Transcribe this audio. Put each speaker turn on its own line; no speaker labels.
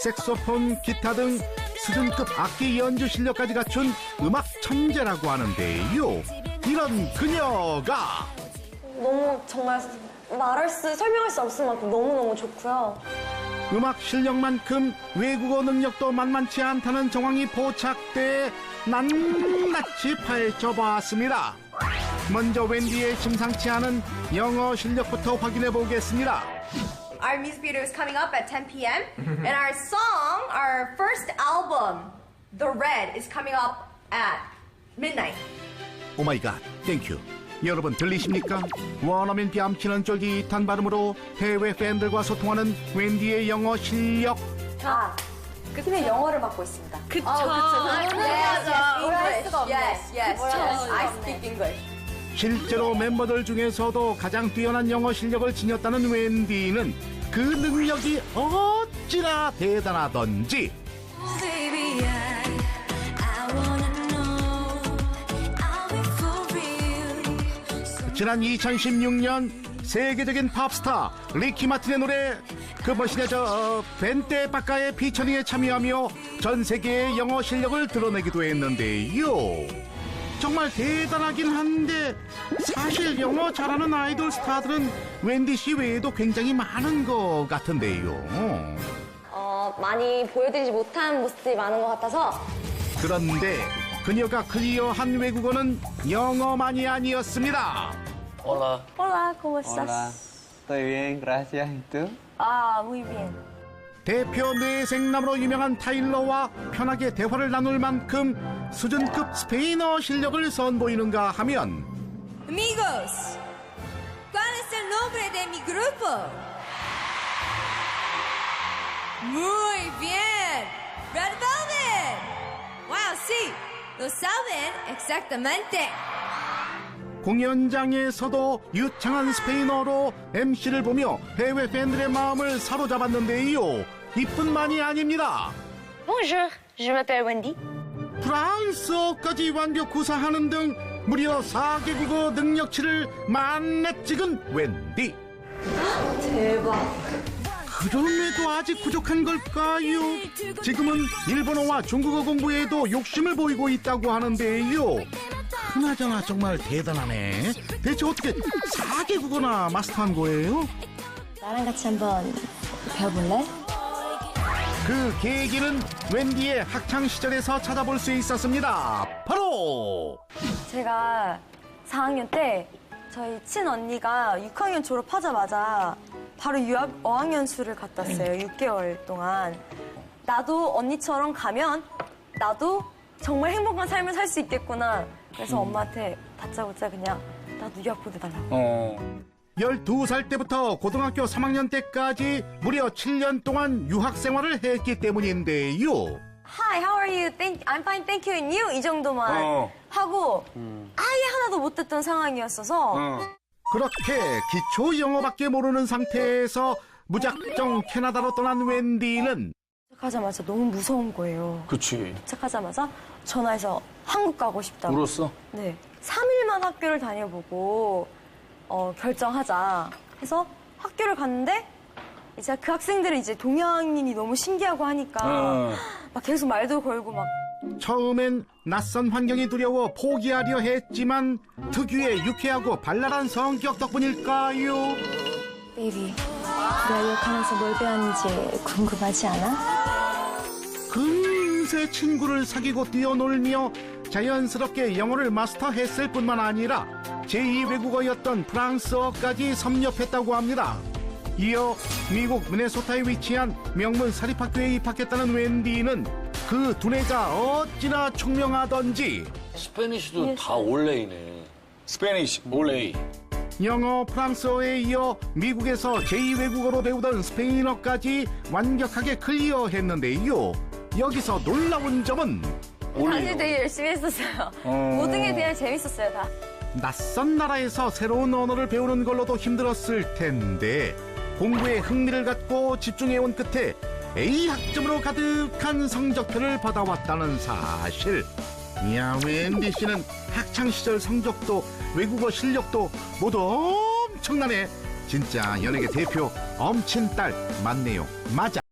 색소폰, 기타 등 수준급 악기 연주 실력까지 갖춘 음악 천재라고 하는데요. 이런 그녀가
너무 정말 설명할 수 없을 만큼 너무너무 좋고요.
음악 실력만큼 외국어 능력도 만만치 않다는 정황이 포착돼 낱낱이 파헤쳐봤습니다. 먼저 웬디의 심상치 않은 영어 실력부터 확인해 보겠습니다.
Our music video is coming up at 10 p.m. and our song, our first album, The Red, is coming up at midnight.
오마이갓, 땡큐. 여러분 들리십니까? 원어민 뺨치는 쫄깃한 발음으로 해외 팬들과 소통하는 웬디의 영어 실력.
그냥 영어를 맡고 있습니다.
그쵸. Yes. I speak English.
실제로 멤버들 중에서도 가장 뛰어난 영어 실력을 지녔다는 웬디는 그 능력이 어찌나 대단하던지 지난 2016년 세계적인 팝스타 리키 마틴의 노래 그 멋이냐 저 벤떼 바카의 피처링에 참여하며 전 세계의 영어 실력을 드러내기도 했는데요. 정말 대단하긴 한데 사실 영어 잘하는 아이돌 스타들은 웬디 씨 외에도 굉장히 많은 것 같은데요.
많이 보여드리지 못한 모습들이 많은 것 같아서
그런데 그녀가 클리어한 외국어는 영어만이 아니었습니다.
Hola.
Hola, ¿cómo
Hola.
estás?
Estoy bien, gracias. ¿Y tú?
Muy bien.
대표 뇌생남으로 유명한 타일러와 편하게 대화를 나눌 만큼 수준급 스페인어 실력을 선보이는가 하면
Amigos, ¿cuál es el nombre de mi grupo? Muy bien, Red Velvet. Wow, sí, lo saben exactamente.
공연장에서도 유창한 스페인어로 MC를 보며 해외 팬들의 마음을 사로잡았는데요. 이뿐만이 아닙니다.
Bonjour, je m'appelle Wendy.
프랑스어까지 완벽 구사하는 등 무려 4개국어 능력치를 만렙 찍은 웬디.
대박.
그럼에도 아직 부족한 걸까요? 지금은 일본어와 중국어 공부에도 욕심을 보이고 있다고 하는데요. 그나저나 정말 대단하네. 대체 어떻게 4개국어나 마스터한 거예요?
나랑 같이 한번 배워볼래?
그 계기는 웬디의 학창 시절에서 찾아볼 수 있었습니다. 바로
제가 4학년 때 저희 친언니가 6학년 졸업하자마자 바로 유학 어학연수를 갔다 왔어요. 6개월 동안. 나도 언니처럼 가면 나도 정말 행복한 삶을 살 수 있겠구나. 그래서 엄마한테 다짜고짜 그냥 나도 유학 보내달라고.
12살 때부터 고등학교 3학년 때까지 무려 7년 동안 유학 생활을 했기 때문인데요.
Hi, how are you? I'm fine, thank you, and you? 이 정도만 하고 아예 하나도 못했던 상황이었어서
그렇게 기초 영어밖에 모르는 상태에서 무작정 캐나다로 떠난 웬디는
도착하자마자 너무 무서운 거예요.
그치.
도착하자마자 전화해서 한국 가고 싶다고.
울었어?
네. 3일만 학교를 다녀보고 결정하자 해서 학교를 갔는데 이제 그 학생들은 이제 동양인이 너무 신기하고 하니까 막 계속 말도 걸고 막
처음엔 낯선 환경이 두려워 포기하려 했지만 특유의 유쾌하고 발랄한 성격 덕분일까요?
베이비, 내가 유학하면서 뭘 배웠는지 궁금하지 않아?
금세 친구를 사귀고 뛰어놀며 자연스럽게 영어를 마스터했을 뿐만 아니라 제2 외국어였던 프랑스어까지 섭렵했다고 합니다. 이어 미국 미네소타에 위치한 명문 사립학교에 입학했다는 웬디는 그 두뇌가 어찌나 총명하던지
스페니쉬도 다 올레이네. 스페니쉬, 올레이.
영어, 프랑스어에 이어 미국에서 제2 외국어로 배우던 스페인어까지 완벽하게 클리어했는데요. 여기서 놀라운 점은
당시 되게 열심히 했었어요. 모든 게 되게 재밌었어요, 다.
낯선 나라에서 새로운 언어를 배우는 걸로도 힘들었을 텐데 공부에 흥미를 갖고 집중해온 끝에 A 학점으로 가득한 성적표를 받아왔다는 사실. 이야, 웬디 씨는 학창시절 성적도 외국어 실력도 모두 엄청나네. 진짜 연예계 대표 엄친딸 맞네요. 맞아.